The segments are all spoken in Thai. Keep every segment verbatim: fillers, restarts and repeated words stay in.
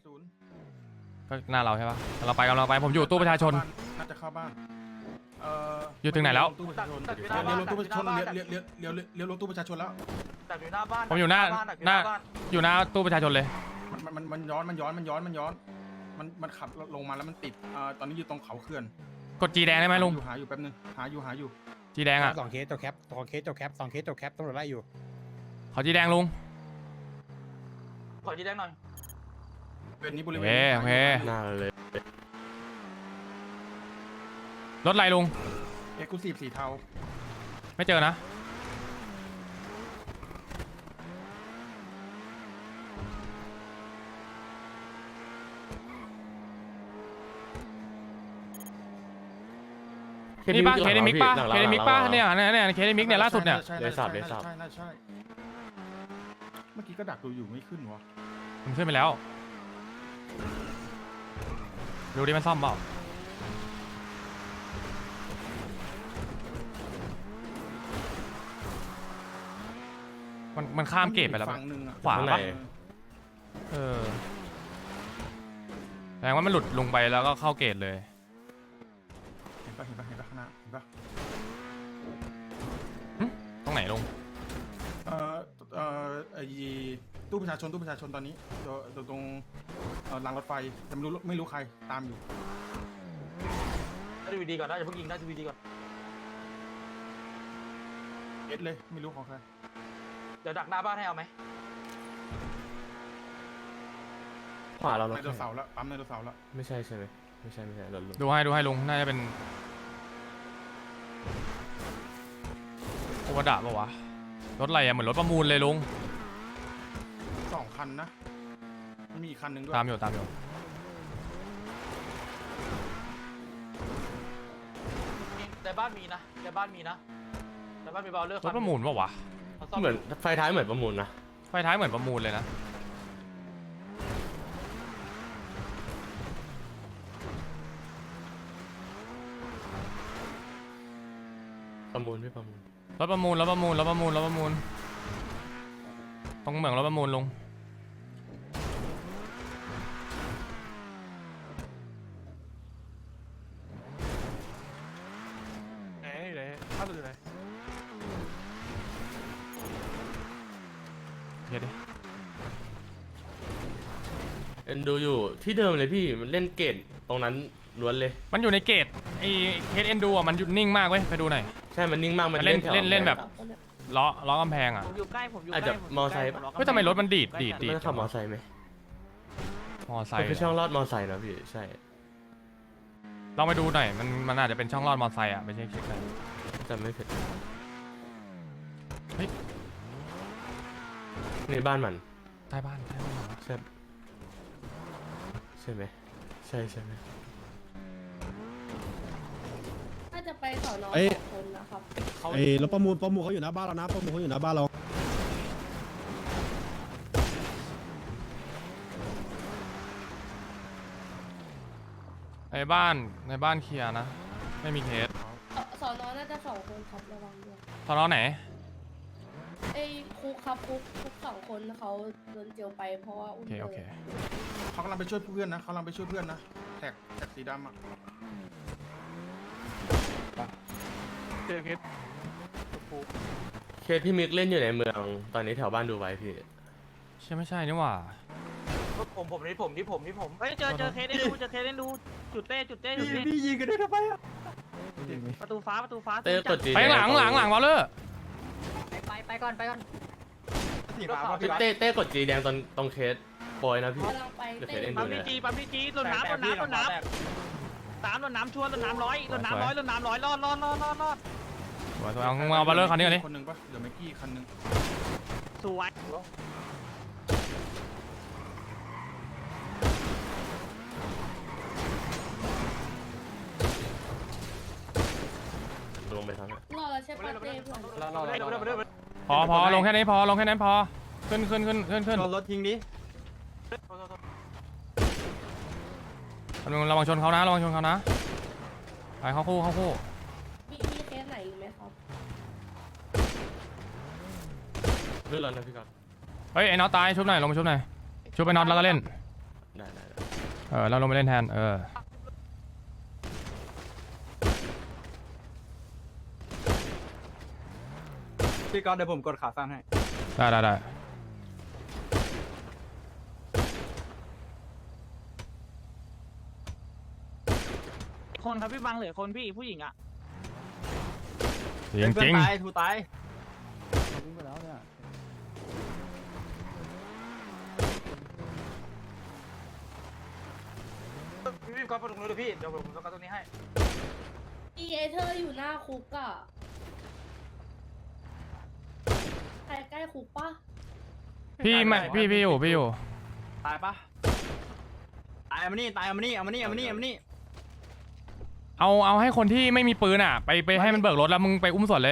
ศูนย์ก็หน้าเราใช่ปะเราไปกันเราไปผมอยู่ตู้ประชาชนน่าจะเข้าบ้านเอ่ออยู่ถึงไหนแล้วตู้ประชาชนเลี้ยวรถตู้ประชาชนเลี้ยวเลี้ยวเลี้ยวเลี้ยวเลี้ยวรถตู้ประชาชนแล้วดักอยู่หน้าบ้านผมอยู่หน้าหน้าอยู่หน้าตู้ประชาชนเลยมันมันมันย้อนมันย้อนมันย้อนมันย้อนมันมันขับลงมาแล้วมันติดอ่าตอนนี้อยู่ตรงเขาเขื่อนกดจีแดงได้ไหมลุงอยู่หาอยู่แป๊บนึงหาอยู่หาอยู่จีแดงอ่ะสองเคสตัวแคปสองเคสตัวแคปสองเคสตัวแคปตำรวจไล่อยู่ขอจีแดงลุงขอจีแดงหน่อยเป็นนี้บริเวโอณเคโอเคหน้าเลยรถอะไรลุงเอ็กซ์คลูซีฟสีเทาไม่เจอนะ นี่ป้าเคสมิกป้าเคสมิกป้าเนี่ยเนี่ยเนี่ยเคสมิกเนี่ยล่าสุดเนี่ยใช่เลใช่ยสับเลยสับใช่ใช่ใช่เมื่อกี้ก็ดักดูอยู่ไม่ขึ้นวะมันขึ้นไปแล้วดูดิมันซ่อมเปล่ามันมันข้ามเกตไปแล้วฝั่งหนึ่งอะขวาปะเออแสดงว่ามันหลุดลงไปแล้วก็เข้าเกตเลยเห็นปะเห็นปะเห็นปะข้างหน้าเห็นปะตรงไหนลุงเอ่อเอ่อไอ้ตู้ประชาชนตู้ประชาชนตอนนี้ตัวตัวตรงเอ่อรางรถไฟแต่ไม่รู้ไม่รู้ใครตามอยู่ได้ทีวีดีก่อนนะอย่าเพิ่งยิงได้ทีวีดีก่อนเอสเลยไม่รู้ของใครเดี๋ยวดักหน้าบ้านให้เอาไหมขวาเราไดเนาะโนเสาร์ละปั๊มไดโนเสาร์ละไม่ใช่ใช่ไหมไม่ใช่ไม่ใช่รถลุงดูให้ดูให้ลุงน่าจะเป็นโอวดะปะวะรถอะไรอะเหมือนรถประมูลเลยลุงสองคันนะมันมีอีกคันหนึ่งด้วยตามอยู่ตามอยู่ในบ้านมีนะในบ้านมีนะในบ้านมีบอลเลอร์รถประมูลปะวะเหมือนไฟท้ายเหมือนประมูลนะไฟท้ายเหมือนประมูลเลยนะประมูลไม่ประมูลรถประมูลรถประมูลรถประมูลรถประมูลตรงเหมืองรถประมูลลุงไหนไหนภาพอยู่ไหนเดี๋ยวดิเอ็นดูอยู่ที่เดิมเลยพี่มันเล่นเกตตรงนั้นล้วนเลยมันอยู่ในเกตไอเคสเอ็นดูอ่ะมันหยุดนิ่งมากเว้ยไปดูหน่อยใช่มันนิ่งมากมันเล่นแถวเล่นเล่นแบบล้อล้อกำแพงอ่ะผมอยู่ใกล้ผมอยู่อาจใกจะล้มอไซค์เฮ้ยทำไมรถมันดีดดีดดีดมันขับมอไซค์ไหมมอไซมันค์คือช่องลอดมอไซค์นะพี่ใช่ลองไปดูหน่อยมันมันอาจจะเป็นช่องลอดมอไซค์อ่ะไม่ใช่เคสอะไรจำไม่ผิดเฮ้ยในบ้านมันใต้บ้านใต้บ้านเหรอใช่ใช่ไหมใช่ใช่ไหมน่าจะไปสอนอเอ้ยสองคนนะครับไอ้รถประมูลประมูลเขาอยู่หน้าบ้านเรานะประมูลเขาอยู่หน้าบ้านเราในบ้านในบ้านเคลียร์นะไม่มีเคสสอนอน่าจะสองคนครับระวังด้วยทอนอไหนไอ้คุกครับคุกคุกสองคนเขาโดนเจียวไปเพราะว่าโออุ้มเคโอเคเขากำลังไปช่วยเพื่อนนะเขากำลังไปช่วยเพื่อนนะแท็กแท็กสีดำอะเจอเคสเคสที่มิกเล่นอยู่ในเมืองตอนนี้แถวบ้านดูไว้พี่ใช่ไม่ใช่นี่หว่าผมผมนี่ผมนี่ผมนี่ผมเฮ้ยเจอเจอเคสเล่นดูเจอเคสเล่นดูจุดเต้จุดเต้จุดเต้พี่ยิงกันได้ทำไมอ่ะประตูฟ้าประตูฟ้าเต้กดจีไปหลังหลังหลังวอลเลอร์ไปไปก่อนไปก่อนสีฟ้าป่ะพี่เต้เต้กดจีแดงตอนตรงเคสปอยนะพี่กำลังไปเดี๋ยวเต้เดี๋ยวปั๊มพีจีปั๊มพีจีรถน้ำรถน้ำรถน้ำสามรถน้ำชวนรถน้ำร้อยรถน้ำร้อยรถน้ำร้อยรอดรอดรอดรอดรอดสวยสวยเอาเอาวอลเลอร์คันนี้ก่อนดิคนหนึ่งปะเดี๋ยวไมกี้คันหนึ่งสวยลงไปทั้งรอแล้วใช่ปะเต้เพื่อนเราเราเดี๋ยวเดี๋ยวเดี๋ยวเดี๋ยวพอพอลงแค่นี้พอลงแค่นั้นพอขึ้นขึ้นขึ้นขึ้นขึ้นชนรถทิ้งดิระวังชนเขานะระวังชนเขานะไปเข้าคู่เข้าคู่มีมีเคสไหนอีกไหมครับเลื่อนแล้วนะพี่ก่อนเฮ้ยไอ้น็อตตายชุบหน่อยลงมาชุบหน่อยชุบไปน็อตแล้วก็เล่นได้ได้ได้เออเราลงไปเล่นแทนเออพี่ก๊อตเดี๋ยวผมกดขาสั้นให้ได้ได้ได้คนครับพี่บังเหลือคนพี่ผู้หญิงอ่ะจริงจริงตายทูตายพี่พี่ก๊อฟไปตรงนู้นเลยพี่เดี๋ยวผมสกัดตรงนี้ให้อีเอเธอร์อยู่หน้าคุกอะใครใกล้คุกปะพี่ไม่พี่พี่อยู่พี่อยู่ตายปะตายเอามานี่ตายเอามานี่เอามานี่เอามานี่เอามานี่เอาเอาให้คนที่ไม่มีปืนอ่ะ ไปไปให้มันเบิกรถแล้วมึงไปอุ้มส่วนเลย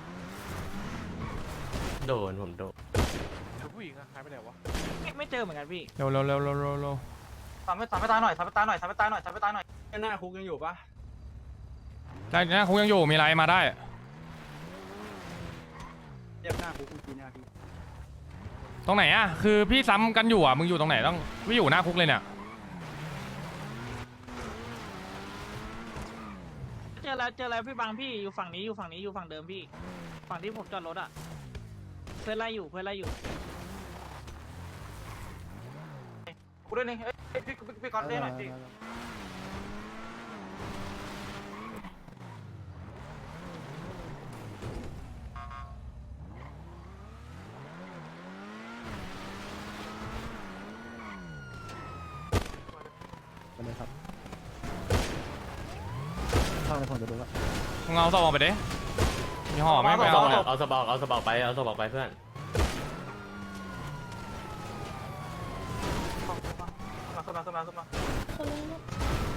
โดนผมโดนผู้หญิงอะหายไปไหนวะไม่ไม่เจอเหมือนกันพี่เร็วเร็วเร็วเร็วเร็วเร็วทำให้ทำให้ตายหน่อยทำให้ตายหน่อยทำให้ตายหน่อยทำให้ตายหน่อยหน้าคุกยังอยู่ปะได้นะคุกยังอยู่มีอะไรมาได้เรียกหน้าคุกกูทีหน้าพี่ตรงไหนอ่ะคือพี่ซ้ำกันอยู่อ่ะมึงอยู่ตรงไหนต้องพี่อยู่หน้าคุกเลยเนี่ยเจอแล้วเจอแล้วพี่บังพี่อยู่ฝั่งนี้อยู่ฝั่งนี้อยู่ฝั่งเดิมพี่ ฝั่งที่ผมจอดรถอ่ะเพื่อนไล่อยู่เพื่อนไล่อยู่กูเล่นนี่เอ้ยพี่พี่พี่ก๊อตเล่นหน่อยพี่ไปเลยครับเข้าในผมจะดูว่ามึงเอาสอบออกไปดิมีห่อไหม่ไปเอาเอาเอาสบอกเอาสบอกไปเอาสบอกไปเพื่อนขึ้นมาขึ้นมาขึ้นมาขึ้นมาคนนึงนะ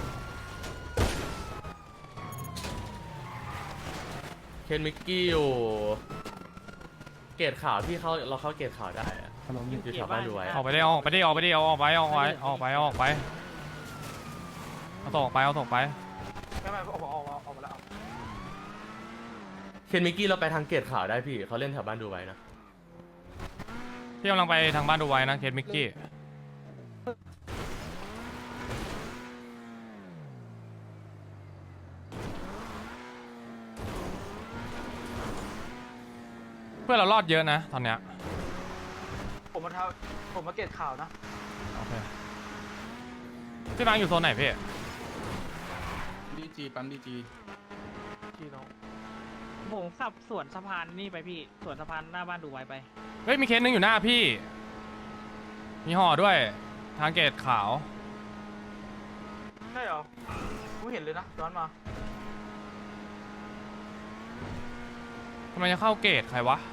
เคนมิกกี้อยู่เกตข่าวพี่เขาเราเข้าเกตข่าวได้อะอยู่แถวบ้านดูไว้ออกไปดิเอาออกไปดิเอาออกไปดิเอาออกไปเอาออกไปเอาออกไปเอาออกไปเอาส่งออกไปเอาส่งออกไปไม่ไม่ออกออกออกออกมาแล้วเคนมิกกี้เราไปทางเกตข่าวได้พี่เขาเล่นแถวบ้านดูไว้นะพี่กำลังไปทางบ้านดูไว้นะเคสมิกกี้เพื่อนเรารอดเยอะนะตอนเนี้ยผมมาทำผมมาเก็บข่าวนะโอเคพี่บางอยู่โซนไหนพี่ดีจีปั๊มดีจีพี่น้องผมขับสวนสะพานนี่ไปพี่สวนสะพานหน้าบ้านดูไว้ไปเฮ้ยมีเคสหนึงอยู่หน้าพี่มีห่อด้วยทางเกตขาวใช่เหรอกูเห็นเลยนะย้อนมาทำไมจะเข้าเกตใครวะ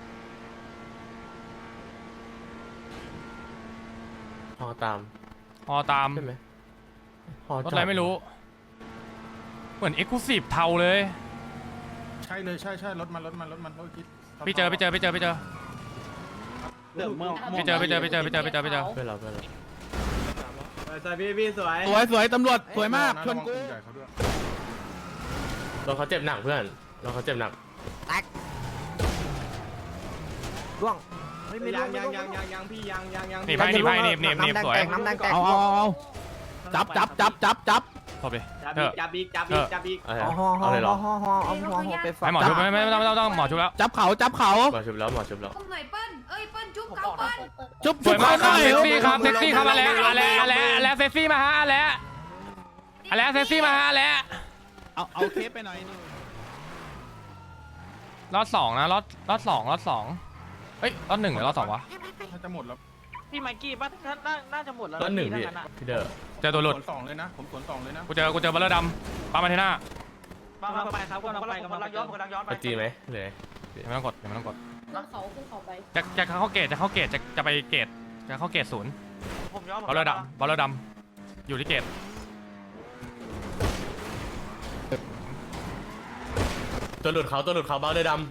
ฮอตามห่อตามใช่ไหมฮอรถจอะไรไม่รู้ เหมือนเอ็กซ์คลูซีฟเทาเลยใช่เลยใช่ใช่รถมันรถมันรถมันรถคิดพี่เจอพี่เจอพี่เจอพี่เจอเดี๋ยวเมื่อไปเจอไปเจอไปเจอไปเจอไปเจอไปเจอเพื่อนเราเพื่อนเราใส่พี่พี่สวยสวยสวยตำรวจสวยมากชชนนกูใหญ่เขาด้วยเราเขาเจ็บหนักเพื่อนเราเขาเจ็บหนักยังยังยังยังยังพี่ยังยังยังหนีไปหนีไปหนีบหนีบหนีบสวยเอาเอาเอาเอาจับจับจับจับจับตบดิจับเถอีอะกจับอีกจับอีกจับอีกอะไรเอาเลยเหรอให้หมอชุบไม่ไม่ไม่ต้องไม่ต้องหมอชุบแล้วจับเขาจับเขาหมอชุบแล้วหมอชุบแล้วตรงไหนเปิ้ลเอ้ยเปิ้ลจุ๊บผมเขาบอกนะเปิ้ลจุ๊บสวยมากครับจุ๊เซ็กบซี่ครับเซ็กซี่ครับมาแล้วมาแล้วมาแล้วแล้วเซ็กซี่มาฮะแล้วแล้วเซ็กซี่มาฮะแล้วเอาเอาเคสไปหน่อยรอบสองนะรอบรอบสองรอบสองเอ้ยรอบหนึ่งหรือรอบสองวะถ้าจะหมดแล้วพี่ไมค์กี้ป่ะน่าน่าน่าจะหมดแล้วก็หนึ่งพี่พี่ทั้งนั้นอะพี่เดอร์เจอตัวหลุดสวนสองเลยนะผมสวนสองเลยนะกูเจอกูเจอบัลเลอร์ดำปามาเทน่ามามาไปครับกำลังไปกำลังย้อนกำลังย้อนไปไปจีไหมเลยยังไม่ต้องกดยังไม่ต้องกดขึ้นเขาขึ้นเขาไปจะจะเข้าเกตจะเข้าเกตจะจะไปเกตจะเข้าเกตศูนย์ผมย้อนบัลเลอร์ดำบัลเลอร์ดำอยู่ที่เกตตัวหลุดเขาตัวหลุดเขาเบาเลยด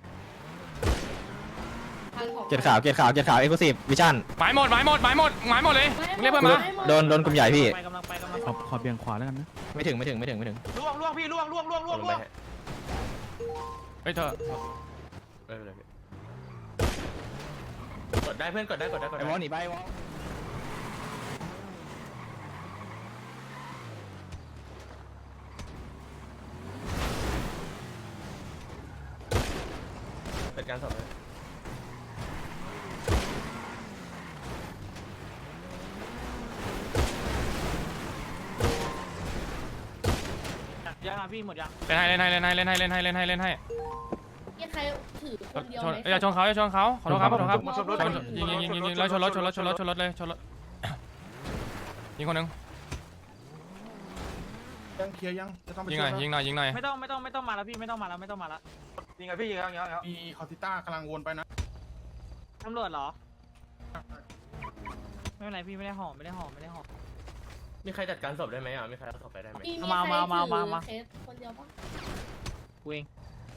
ทางของเกียรขาวเกียรขาวเกียรขาวเอ็กซ์คลูซีฟวิชั่นหมายหมดหมายหมดหมายหมดหมายหมดเลยมึงเรียกเพื่อนมาโดนโดนกลุ่มใหญ่พี่ไปกำลังไปกำลังขอขอเบี่ยงขวาแล้วกันนะไม่ถึงไม่ถึงไม่ถึงไม่ถึงล่วงล่วงพี่ล่วงล่วงล่วงำล่วงลงล่วงไปให้เฮ้ยเธอไม่เป็นไรพี่กดได้เพื่อนกดได้กดได้กดไอ้ได้วอลหนีไปวอลการสอบเลยยังอ่ะพี่หมดยังเล่นให้เล่นให้เล่นให้เล่นให้เล่นให้เล่นให้เล่นให้มีใครถือคนเดียวชนไหมอย่าชนเขาอย่าชนเขาขอโทษครับขอโทษครับชนรถชนยิงยิงยิงยิงยิงแล้วชนรถชนรถชนรถชนรถเลยชนรถยิงคนหนึงยังเคลียร์ยังจะต้องไปยิงหช่น่วอยยยิงหน่อยยิงหน่อยไม่ต้องไม่ต้องไม่ต้องมาแล้วพี่ไม่ต้องมาแล้วไม่ต้องมาแล้วยิงไงพี่ยิงแล้วยิงแล้วมีคอติต้ากำลังวนไปนะตำรวจเหรอไม่เป็นไรพี่ไม่ได้ห่อไม่ได้ห่อไม่ได้ห่อมีใครจัดการศพได้ไหมอ่ะมีใครเอาศพไปได้ไหมมีมีมาใครมามามามาถือเคสคนเดียวปะกูเอง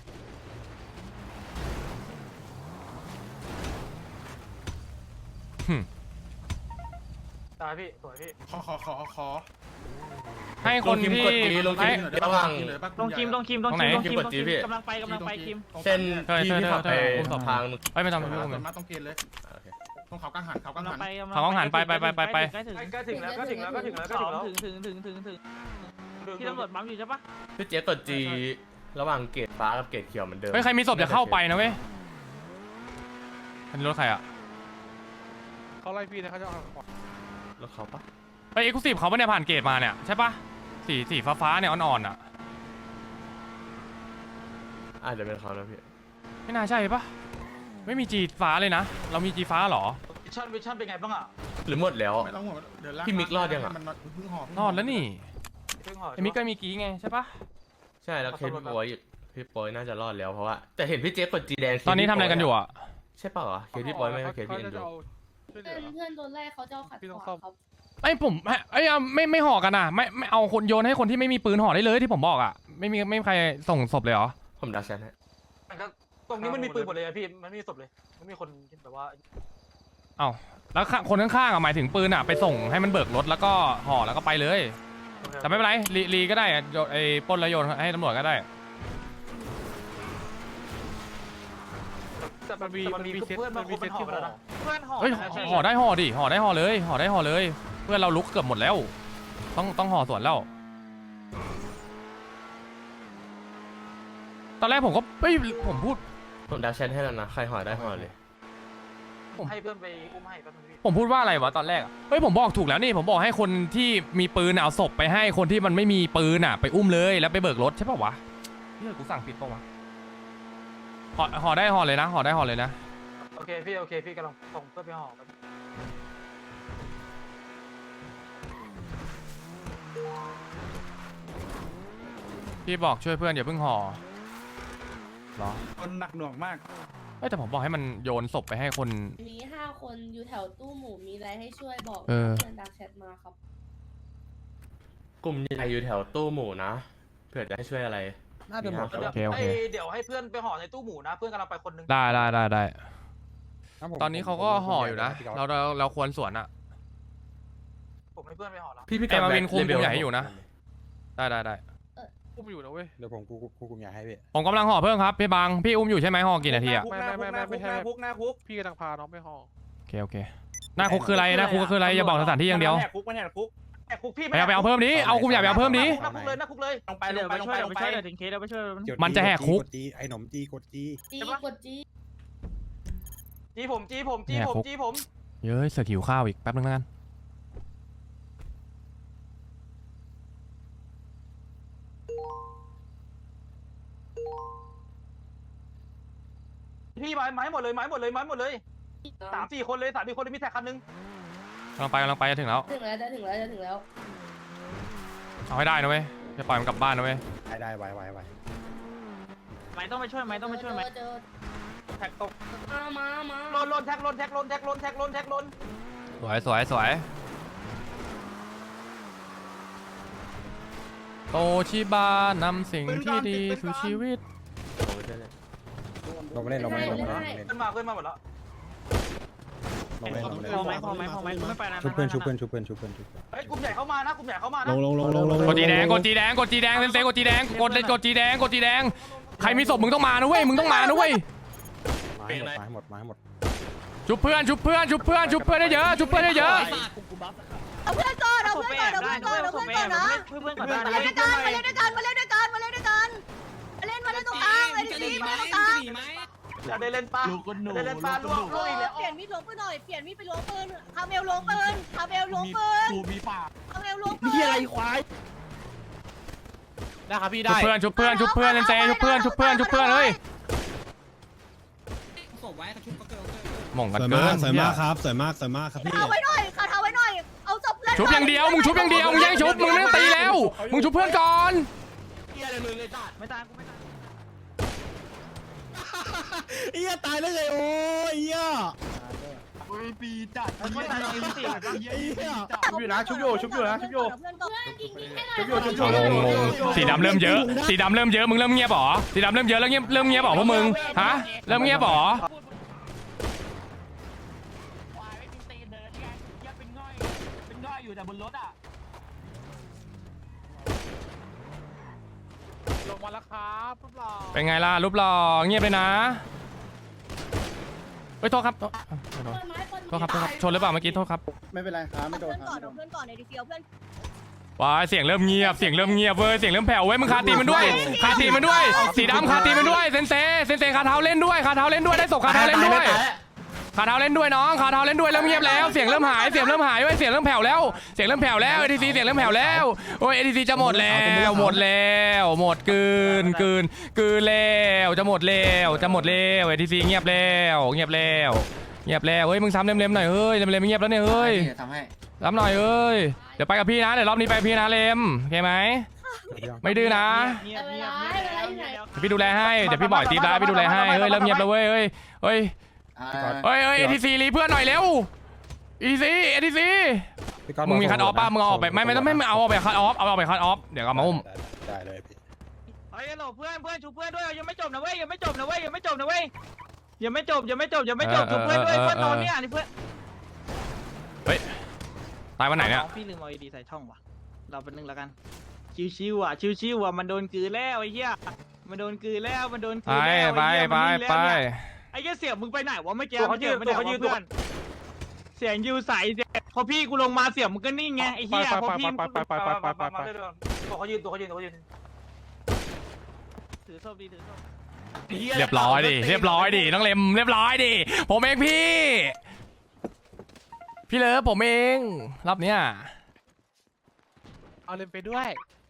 ตายพี่สวยพี่ขอขอขอขอให้คนที่ลงทีมกดจีลงทีให้มระหว่างลงคิมลงคิมลงตรงไหนคิมลงคิมกลดงจีคิมพี่กำลังไปกำลังไปคิมเส้นเธอที่เธอที่ขับไปเธอเธอสะพานเอ้ยไม่ส่ทำวนไม่มาต้องส่วนมาต้องเกณฑ์เลยโอเคตรงเขากังหันเขากังกำลัหังนไปเขาต้องหันไปไปไปไปไปใกล้ถึงใกล้ถึงแล้วก็ถึงแล้วก็ถึงแล้วก็ถึงแล้วถึงถึงถึงถึงถึงถึงที่ตำรวจบัมอยู่ใช่ปะพี่เจ๊กดจีระหว่างเกรดฟ้ากับเกรดเขียวเหมือนเดิมเฮ้ยใครมีศพอย่าเข้าไปนะเว้ยอันนี้รถใครอ่ะเขาไล่พี่นะเขาจะเอาแล้วเขาปะไปเอ็กซ์คลูซีฟเขาปะเนี่ยผ่านเกตมาเนี่ยใช่ปะสีสีฟ้าฟ้าๆเนี่ยอ่อนๆอ่ะอาจจะเป็นเขานะพี่ไม่น่าใช่ปะไม่มีจีฟ้าเลยนะเรามีจีฟ้าเหรอวิชั่นวิชั่นเป็นไงบ้างอ่ะหรือหมดแล้วไม่ต้องห่วงเดี๋ยวลากพี่มิกรอดยังอะมันเพิ่งหอบรอดแล้วนี่เพิ่งห่อไอ้มิกก็มีกี้ไงใช่ปะใช่แล้วเคสพี่โปยพี่โปยน่าจะรอดแล้วเพราะว่าแต่เห็นพี่เจ๊กดจีแดงตอนนี้ทำอะไรกันอยู่อ่ะใช่เปล่าวะเคสพี่โปยไม่ใช่เคสพี่เอ็นดูเพื่อนเพื่อนโดนไล่เขาจะเอาขัดขวางครับไอ้ผมไอ้ยเอาไม่ไม่ห่อกันอ่ะไม่ไม่เอาคนโยนให้คนที่ไม่มีปืนห่อได้เลยที่ผมบอกอ่ะไม่มีไม่มีใครส่งศพเลยเหรอผมดักแชทให้มันก็ตรงนี้มันมีปืนหมดเลยอะพี่มันไม่มีศพเลยมันมีคนแบบว่าเอ้าแล้วข้างคนข้างๆอ่ะหมายถึงปืนอ่ะไปส่งให้มันเบิกรถแล้วก็ห่อแล้วก็ไปเลยแต่ไม่เป็นไรรีรีก็ได้อะโยนไอ้ปล้นแล้วโยนให้ตำรวจก็ได้แต่มันมีมันมีเพื่อนบางคนมันห่อไปแล้วนะเพื่อนห่อเฮ้ยห่อได้ห่อดิห่อได้ห่อเลยห่อได้ห่อเลย เพื่อนเราลุกเกือบหมดแล้ว ต้องต้องห่อส่วนแล้ว ตอนแรกผมก็เฮ้ยผมพูดผมดักแชทให้แล้วนะใครห่อได้ห่อเลยให้เพื่อนไปอุ้มให้แป๊บนึงพี่ผมพูดว่าอะไรวะตอนแรกอะเฮ้ยผมบอกถูกแล้วนี่ผมบอกให้คนที่มีปืนเอาศพไปให้คนที่มันไม่มีปืนอ่ะไปอุ้มเลยแล้วไปเบิกรถใช่ป่าวะเฮ้ยกูสั่งผิดป่าวะห่อห่อได้ห่อเลยนะห่อได้ห่อเลยนะโอเคพี่โอเคพี่กำลังส่งเพื่อนไปห่อแป๊บนึงพี่บอกช่วยเพื่อนอย่าเพิ่งห่อเหรอคนหนักหน่วงมากเอ้ยแต่ผมบอกให้มันโยนศพไปให้คนมีห้าคนอยู่แถวตู้หมูมีอะไรให้ช่วยบอกเออเพื่อนดักแชทมาครับกลุ่มใหญ่อยู่แถวตู้หมูนะเผื่อจะให้ช่วยอะไรน่าจะหมดโอเคโอเคเดี๋ยวให้เพื่อนไปห่อในตู้หมูนะเพื่อนกำลังไปคนนึงได้ได้ได้ได้งั้ผมตอนนี้เขาก็ห่ออยู่นะพี่ก๊ฟเราเราเราควรสวนอะผมให้เพื่อนไปห่อแล้วพี่พี่ไอ้มาวินแบ็คคุมเลเวกลุ่ลมใหญ่ให้อยู่นะ ได้ได้ได้อุ้มอยู่นะเว้ยเดี๋ยวผมกูกูกูใหญ่ให้พี่ผมกำลังห่อเพิ่มครับพี่บังพี่อุ้มอยู่ใช่ไหมห่อกี่นาทีอะไม่ไม่ไม่ไม่ไม่ใช่คุกหน้าคุกพี่กำลังพาน้องไปห้องโอเคโอเคหน้าคุกคืออะไรหน้าคุกคืออะไรอย่าบอกสถานที่อย่างเดียวแหกคุกมันแหกคุกแอบคุกพี่ไปเอาไปเอาเพิ่มนี้เอากลุ่มใหญ่ไปเอาเพิ่มนี้หน้าคุกเลยหน้าคุกเลยลงไปลเดี๋ยงวไปไปลงช่วไปยลเดี๋ยวงไปไปช่วยเดี๋ยวถึงเคสเดี๋ยวไปช่วยกดมันจะแหกคุกกดจีไอ้หนมจีกดจีจีกดจีจีผมจีผมจีผมจีผมเย้ยเสือกหิวข้าวอีกแป๊บนึงแล้วกันพี่ไม้ไม้หมดเลยไม้หมดเลยไม้หมดเลยสามสี่คนเลยสามสี่คนเลยมีแท็กคันนึงกำลังไปกำลังไปจะถึงแล้วถึงแล้วจะถึงแล้วจะถึงแล้วเอาให้ได้นะเว้ยจะปล่อยมันกลับบ้านนะเว้ยได้ได้ไวไวไวไม่ต้องไปช่วยไหมต้องไปช่วยไหมเจอแท็กตกเจอมามามาลนลนแท็กลนแท็กลนแท็กลนแท็กลนแท็กลนสวยสวยสวยโตชิบานำสิ่งที่ดีสู่ชีวิตผมไม่ใช่เลยลงมาเล่นลงมาเล่นลงมาเล่นลงมาเล่นเพื่อนมาเพื่อนมาหมดแล้วลงมาเล่นลงมาเล่นพอไหมพอไหมพอไหมไม่ไปนะชุบเพื่อนชุบเพื่อนชุบเพื่อนชุบเพื่อนชุบเพื่อนเฮ้ยกลุ่มใหญ่เข้ามานะกลุ่มใหญ่เข้ามานะลงลงลงลงลงกดจีแดงกดจีแดงกดจีแดงเซนเซกดจีแดงกดเลยกดจีแดงกดจีแดงใครมีศพมึงต้องมานะเว้ยมึงต้องมานะเว้ยมาให้หมดมาให้หมดมาให้หมดชุบเพื่อนชุบเพื่อนชุบเพื่อนชุบเพื่อนได้เยอะชุบเพื่อนได้เยอะเอาเพื่อนก่อนเอาเพื่อนก่อนเอาเพื่อนก่อนเอาเพื่อนก่อนนะเพื่อนก่อนมาได้เล่นด้วยกันมาเล่นด้วยกันมาเล่นด้วยกันมาเล่นด้วยกันมาเล่นมาเล่นตรงกลางมาเล่นดีมาเล่นตรงกลางได้เล่นป้าได้เล่นป้าล่วงล่วงอีกแล้วเปลี่ยนมีดล้วงปืนหน่อยเปลี่ยนมีดไปล้วงปืนคาเมลล้วงปืนคาเมลล้วงปืนกูมีปากคาเมลล้วงปืนพี่อะไรควายได้ครับพี่ชุได้บเพื่อนชุบเพื่อนชุบเพื่อนเซนเซชุบเพื่อนชุบเพื่อนชุบเพื่อนเฮ้ยส่งไว้กระชุบกระเกิลหม่งกันสวยเกิมากนสวยมากครับสวยมากสวยมากครับพี่เอาไว้หน่อยขาเท้าไว้หน่อยเอาศพเพื่อนชุบอย่างเดียวมึงชุบอย่างเดียวมึงแย่งชุบมึงไม่ต้องตีแล้วมึงชุบเพื่อนก่อนเฮียอะไรมึงไอ้สัตว์ไม่ตายกูไม่ตายเอี้ยตายได้เลยโอ้ยเอี้ยปีจัดไม่ตายจริงสิชุบอยู่นะชุบอยู่ชุบอยู่นะชุบอยู่เพื่อนก่อนชุบอยู่ชุบอยู่งงงงสีดำเริ่มเยอะสีดำเริ่มเยอะมึงเริ่มเงียบหรอสีดำเริ่มเยอะแล้วเงียบเริ่มเงียบหรอพวกมึงฮะเริ่มเงียบหรอควายไม่มีตีนเดินไงเหี้ยเป็นง่อยเป็นง่อยอยู่แต่บนรถอ่ะลงมาแล้วครับพวกเราเป็นไงล่ะรูปหล่อเงียบเลยนะเฮ้ยโทษครับโทษโทษครับโทษครับชนหรือเปล่าเมื่อกี้โทษครับไม่เป็นไรครับไม่เอาโดเพื่นอนคก่อรันบเอาเพื่อนก่อนในดีเซียวเพื่อนว้ายเสียงเริ่มเงียบเสียงเริ่มเงียบเว้ยเสียงเริ่มแผ่วเว้ยมึงคาตีมันด้วยคาตีมันด้วย สีดำคาตีมันด้วยเซนเซเซนเซคาเท้าเล่นด้วยคาเท้าเล่นด้วยได้ศพคาเท้าเล่นด้วยคาเท้าเล่นด้วยน้องคาเท้าเล่นด้วยเริ่มเงียบแล้วเสียงเริ่มหายเสียงเริ่มหายเว้ยเสียงเริ่มแผ่วแล้วเสียงเริ่มแผ่วแล้วเอทีซีเสียงเริ่มแผ่วแล้วโอ้ยเอทีซีจะหมดแล้วหมดแล้วหมดกืนกืนกืนแล้วจะหมดแล้วจะหมดแล้วเอทีซีเงียบแล้วเงียบแล้วเงียบแล้วเฮ้ยมึงซ้ำเล็มๆหน่อยเฮ้ยเล็มๆไม่เงียบแล้วเนี่ยเฮ้ยทำให้รับหน่อยเอ้ยเดี๋ยวไปกับพี่นะเดี๋ยวรอบนี้ไปกับพี่นะเลมโอเคไหมไม่ดื้อนะเงียบเวเงียลาบเวลาอยู่ไหนเดี๋ยวพี่ดูแลให้เดี๋ยวพี่บอกตีบแล้วพี่ดูแลให้เฮ้ยเริ่มเงียบแล้วเว้ยเฮ้ยเฮ้ยเฮ้ยเฮ้ยเอทีซีรีเพื่อนหน่อยเร็วเอทีซีเอทีซีมึงมีคัทออฟป่ะมึงเอาออกไปไม่ไม่ต้องไม่เอาออกไปคัทออฟเอาออกไปคัทออฟเดี๋ยวเอามาอุ้มได้เลยพี่เฮ้ยโหลเพื่อนเพื่อนชูเพื่อนด้วยยังไม่จบนะเว้ยยังไม่จบนะเว้ยยังไม่จบนะเว้ยยังไม่จบยังไม่จบยังไม่จบชูเพื่อนด้วยเพื่อนตอนนี้อ่ะนี่เพื่อนตายวันไหนเนี่ยพี่ลืมเอาไอดีใส่ช่องว่ะเราเป็นหนึ่งแล้วกันชิวๆอ่ะชิวๆอ่ะมันโดนกือแล้วไอ้เหี้ยมันโดนกือแล้วมันโดนกืไปอแล้วไปไปไปไอ้เหี้ยเสียมึงไปไหนวะไม่แก้ตัวเขายืนตัวเขายืนเพื่อนเสียงยูใสพอพี่กูลงมาเสียงมึงก็นิ่งไงไอ้เหี้ยพอพี่ตัวเขายืนตัวเขายืนตัวเขายืนถือโซ่ดีถือโซ่เรียบร้อยดิเรียบร้อยดิน้องเลมเรียบร้อยดิผมเองพี่พี่เลิฟผมเองรอบเนี้ยเอาเลมไปด้วย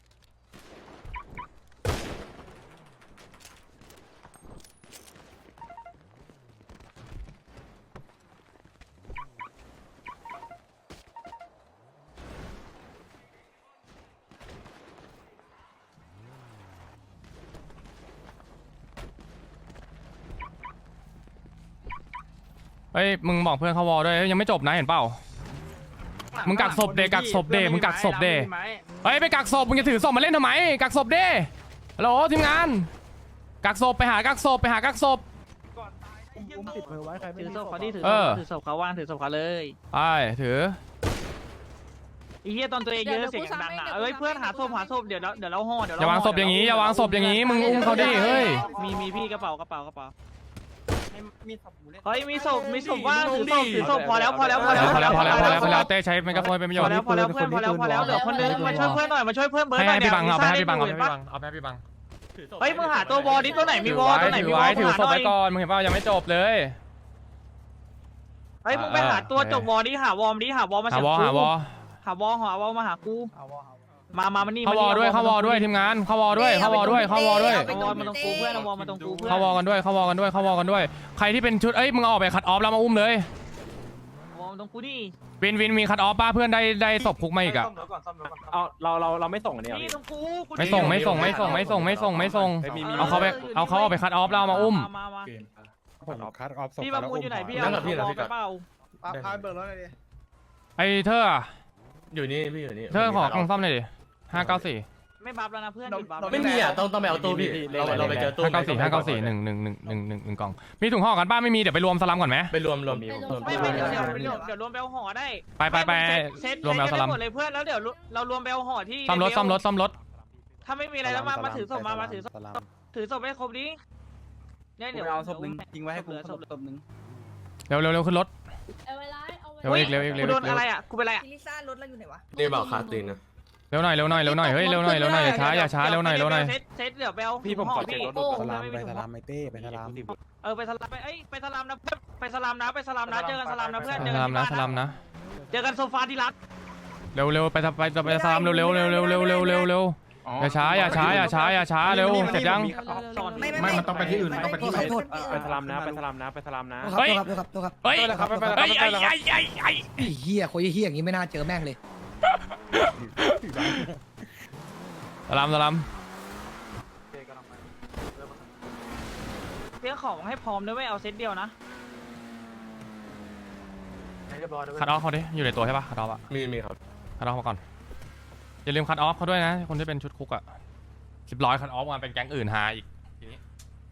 เฮ้ยมึงบอกเพื่อนเขาวอด้วยยังไม่จบนะเห็นเปล่ามึงกักศพเดกักศพเดมึงกักศพเดเฮ้ยไปกักศพมึงจะถือศพมาเล่นทำไมกักศพเดฮัลโหลทีมงานกักศพไปหากักศพไปหากักศพติดมือไว้ใครไม่ถือมีโซ่เขาดิถือเออถือโซ่เขาว่างถือโซ่เขาเลยไปถือไอ้เหี้ยตอนตัวเองเยอะเสียงดังอ่ะเอ้ยเพื่อนหาศพหาศพเดี๋ยวเราเดี๋ยวเราห่อเดี๋ยวอย่าวางศพอย่างนี้อย่าวางศพอย่างนี้มึงอุ้มเขาดิเฮ้ยมีมีพี่กระเป๋ากระเป๋ากระเป๋ามีศพหมูเล่นเฮ้ยมีศพมีศพว่างถือศพถือศพพอแล้วพอแล้วพอแล้วพอแล้วพอแล้วพอแล้วพอแล้วเต้ใช้ไมโครโฟนเป็นประโยพชอน์แล้วพอแล้วเพื่อนพอแล้วพอแล้วเหลือคนนึงมาช่วยเพื่อนหน่อยมาช่วยเพื่อนเบิร์ดหให้น่อยให้พี่บังเอาไปให้พี่บังเอาไปเห็ให้นพี่ปะบังเอาไปให้พี่บังเฮ้ยมึงหาตัววอลดิตัวไหนมีวอลตัวไหนถืมีอวอไว้ลถือหาศพหน่อไว้ยก่อนมึงเห็นเปล่ายังไม่จบเลยเฮ้ยมึงไปหาตัวจบวอลดิหาวอลดิหาวอลมาหาเสียวอกูหาวอหาวอลหาวอลมาหากูมามามันนี่เข้าวอด้วยเข้าวอด้วยทีมงานเข้าวอด้วยเข้าวอด้วยเข้าวอด้วยเอาวอลมาตรงกูเพื่อนเอาวอลมาตรงกูเพื่อนเข้าวอกันด้วยเข้าวอกันด้วยเข้าวอกันด้วยใครที่เป็นชุดเอ้ยมึงเอาออกไปคัดออฟแล้วมาอุ้มเลยวอลมาตรงกูนี่วินวินมีคัดออฟป้าเพื่อนได้ได้ศพคุกมาอีกอะซ่อมเดี๋ยวก่อนซ่อมเดี๋ยวก่อนเอาเราเราเราไม่ส่งอันนี้นี่ตรงกูกูไม่ส่งไม่ส่งไม่ส่งไม่ส่งไม่ส่งไม่ส่งเอาเขาไปเอาเขาออกไปคัดออฟแล้วเอามาอุ้มมามาผมคัดออฟศพพี่ประมูลอยู่ไหนพี่นั่เอางกับพี่วนะอลพี่ไปกัดเปล่าพาเบิร์ดรถเลยดิไอ้เธออะอยู่นี่พี่อยู่นี่เธอขอกล่องซ่อมหน่อยดิห้าเก้าสี่ไม่บัฟแล้วนะเพื่อนหยุดบัฟไม่มีอ่ะต้องต้องไปเอาตู้พี่เราเราไปเจอตู้ห้าเก้าสี่ห้าเก้าสี่หนึ่งหนึ่งหนึ่งหนึ่งหนึ่งหนึ่งกล่องมีถุงห่อกันป้าไม่มีเดี๋ยวไปรวมสลัมก่อนไหมไปรวมรวมไม่ไม่เดี๋ยวเดี๋ยวเดี๋ยวเดี๋ยวรวมไปเอาห่อได้ไปไปไปเซ็ตรวมแมวสลัมหมดเลยเพื่อนแล้วเดี๋ยวเรารวมไปเอาห่อที่ซ่อมรถซ่อมรถซ่อมรถถ้าไม่มีอะไรแล้วมามาถือศพมามาถือศพสลามถือศพให้ครบดิเนี่ยเดี๋เดี๋ยยว วเอาศพหนึ่งทิ้งไว้ให้กูศพศพหนึ่งเร็วเร็วเร็วขึ้นรถเอาเวลาเอาเวเร็วลาอีกเร็วอีกเร็วกูโดอีนกเร็วอะไรอ่ะกูเป็นอะไรอ่ะลิซ่ารถเราอยู่ไหนวะนี่บอกคาตีนนะเร็วหน่อยเร็วหน่อยเร็วหน่อยเฮ้ยเร็วหน่อยเร็วหน่อยอย่าช้าอย่าช้าเร็วหน่อยเร็วหน่อยเซตเซตเดี๋ยวไปเอาพี่ผมขอเช็ครถดูสลามไปสลามไมเต้ไปสลามเออไปสลามไปเอ้ยไปสลามนะเพื่อนไปสลามนะไปสลามนะเจอกันสลามนะเพื่อนเจอสกันลามที่นะบ้านสลามนะเจอกันโซฟาที่รักเร็วเร็วไปทำไปไปสลามเร็วเร็วเร็วเร็วเร็วเร็วเร็วเร็วอ๋ออย่าช้าอย่าช้าอย่าช้าอย่าช้าเร็วเสร็จยังไม่มันต้องไปที่อื่นมันต้องไปที่อื่นไปสลามนะไปสลามนะไปสลามนะเฮ้ยครับครับครับเฮ้ยครับไปไปไปเฮ้ยไอ้ไอ้ไอ้ไอ้ไอ้เฮียคนเฮียอย่างนี้ไม่น่าเจอแม่งเลยสลามสลามเตรียมของให้พร้อมด้วยไม่เอาเซตเดียวนะคัดออฟเขาดิอยู่ในตัวใช่ปะคัดออฟอะมีมีครับคัดออฟมาก่อนอย่าลืมคัดออฟเขาด้วยนะคนที่เป็นชุดคุกอะสิบร้อยคัดออฟมาเป็นแก๊งอื่นหาอีกทีนี้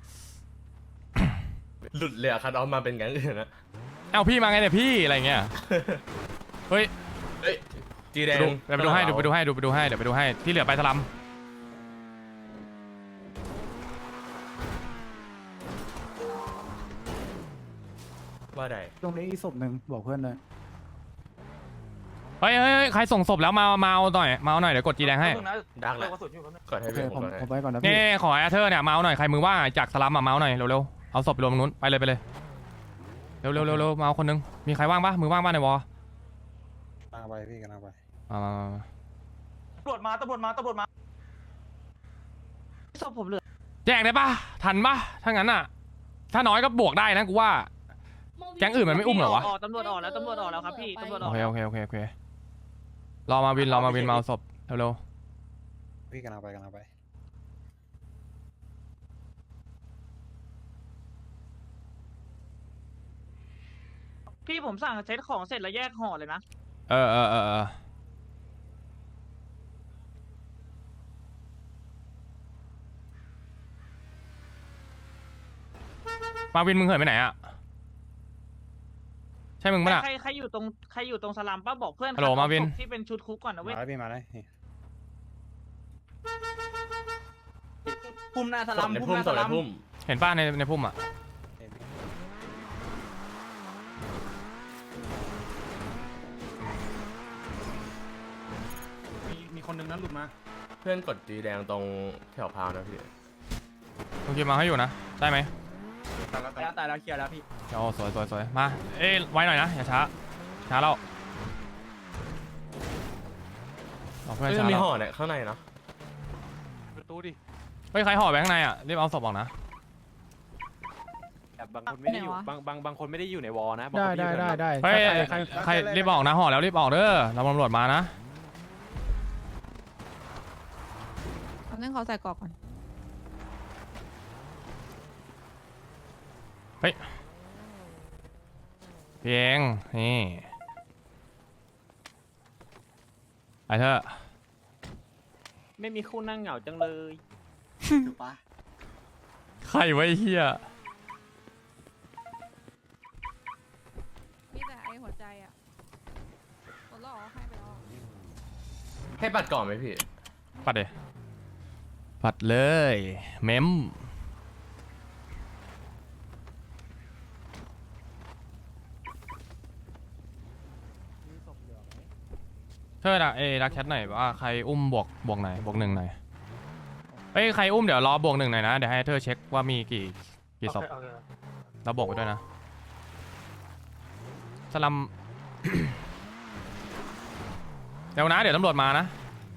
หลุดเลยอะคัดออฟมาเป็นแก๊งอื่นนะเอ้าพี่มาไงเนี่ยพี่อะไรเงี้ยเฮ้ยเฮ้ยจีแดงดูเดี๋ยวไปดูให้ดูไปดูให้ดูไปดูให้เดี๋ยวไปดูให้ที่เหลือไปสลัมว่าใดตรงนี้อีกศพหนึ่งบอกเพื่อนเลยเฮ้ยเฮ้ยเฮ้ยใครส่งศพแล้วมามาเอาหน่อยมาเอาหน่อยเดี๋ยวกดจีแดงให้ดักแหละกดให้โอเคพี่ผผม มกดให้ผมไปก่อนนะนี่พี่ขอแอร์เธอร์เนี่ยมาเอาหน่อยใครมือว่างจากสลัมมามาเอาหน่อยเร็วๆเอาศพไปรวมตรงนู้นไปเลยไปเลยเร็วเร็วเร็วเร็วมาเอาคนนึงมีใครว่างปะมือว่างปะในวอกำลังไปพี่กำลังไปมามามามาตำรวจมาตำรวจมาตำรวจมาศพผมเหลือแจ้งได้ปะทันปะถ้างั้นอ่ะถ้าน้อยก็บวกได้นะกูว่า แก๊งอื่นมันไม่อุ้มเหรอวะออกตำรวจออกแล้วตำรวจออกแล้วครับพี่ตำรวจอโออกเคโอเคโอเคโอเครอมาวินรอมาวินมาเอาศพเร็วพี่กำลังไปกำลังไปพี่ผมสั่งเซตของเสร็จแล้วแยกห่อเลยนะๆเออเออเออเออมาวินมึงเหินไปไหนอ่ะใช่มึงปะน่ะใครใครอยู่ตรงใครอยู่ตรงสลามป้าบอกเพื่อนฮัลโหลครับมาวินศพที่เป็นชุดคุกก่อนนะเว้มาย แล้วพี่มาแล้วนี่พุ่มหน้าสศลาพมในพุ่มพุ่หมน้าศสพในลามพุ่มเห็นป้าในในพุ่มอ่ะมีมีคนนึงนั้นหลุดมาเพื่อนกดจีแดงตรงแถวพาวนะพี่โอเคมาให้อยู่นะได้ไหมตายแล้วตายแล้วตายแล้วเคลียร์แล้วพี่โอ้สวยสวยสวยมาเอ้ยไว้หน่อยนะอย่าช้าช้าแล้วเอาเพื่อนเฮ้ยช้ามีแล้วห่อเนี่ยข้างในเนาะประตูดิเฮ้ยใครห่อไปข้างในอ่ะรีบเอาศพออกนะบางคนไม่ได้อยู่บางบางบางคนไม่ได้อยู่ในวอลนะได้ได้ได้ได้เฮ้ยใครใครรีบออกนะห่อแล้วรีบออกเด้อเราตำรวจมานะเอาเรื่องเขาใส่กรอกก่อนเฮ้ยเพียงนี่ไปเถอะไม่มีคู่นั่งเหงาจังเลยใครไว้เฮียมีแต่ไอหัวใจอ่ะหมดแล้วเหรอให้ไปแล้วให้ปัดก่อนไหมพี่ปัดเลยปัดเลยเมมเธออะเอ้รักแชทหน่อยว่าใครอุ้มบวกบวกไหนบวกหนึ่งหน่อยเอ้ยใครอุ้มเดี๋ยวรอบวกหนึ่งหน่อยนะเดี๋ยวให้เธอเช็คว่ามีกี่กี่ศพเราบวกไปด้วยนะสลัม เดี๋ยวนะเดี๋ยวตำรวจมานะ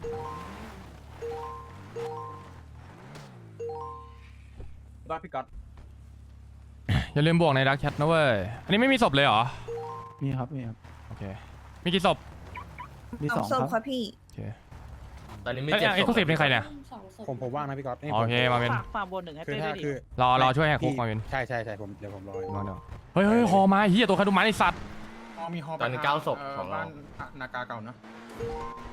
บ้าพี่ก๊อตอย่าลืมบวกในดักแชทนะเว้ยอันนี้ไม่มีศพเลยเหรอมีครับมีครับโอเคมีกี่ศพมีสองครับพี่โอเคตอนนี้มีเอ้ยเจ็ดเอ็กซ์คลูซีฟนี่ใครเนี่ยสองศพผมผมว่างนะพี่ก๊อตนี่โอเคมาเป็นฝากฝากบนหนึ่งให้คือเต้ถ้าด้วยดิคือรอรอช่วยแหกคุกมาเป็นใช่ใช่ใช่ผมเดี๋ยวผมรออยู่มาเดี๋ยวเฮ้ยเฮ้ยฮอมาเฮียตัวใครดูมาไอสัตว์ฮอมีฮอไปตอนนี้เก้าศพเของเราบ้านอ่ะนากาเก่านะ